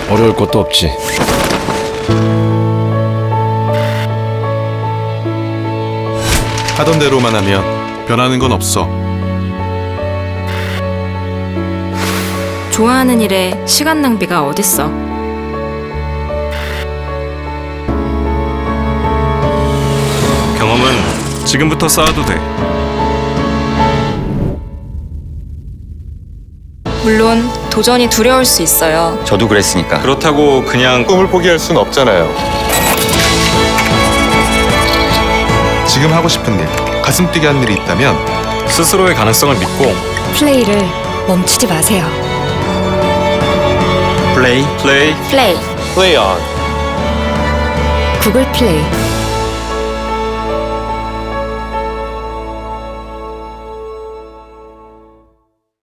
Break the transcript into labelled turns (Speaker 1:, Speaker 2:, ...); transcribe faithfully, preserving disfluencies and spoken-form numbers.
Speaker 1: 어려울 것도 없지.
Speaker 2: 하던 대로만 하면 변하는 건 없어.
Speaker 3: 좋아하는 일에 시간 낭비가 어딨어.
Speaker 4: 경험은 지금부터 쌓아도 돼.
Speaker 3: 물론 도전이 두려울 수 있어요.
Speaker 5: 저도 그랬으니까.
Speaker 4: 그렇다고 그냥
Speaker 6: 꿈을 포기할 순 없잖아요.
Speaker 2: 지금 하고 싶은 일, 가슴 뛰게 하는 일이 있다면
Speaker 4: 스스로의 가능성을 믿고
Speaker 7: 플레이를 멈추지 마세요.
Speaker 5: 플레이.
Speaker 4: 플레이
Speaker 3: 플레이.
Speaker 6: Play on.
Speaker 7: 구글 플레이.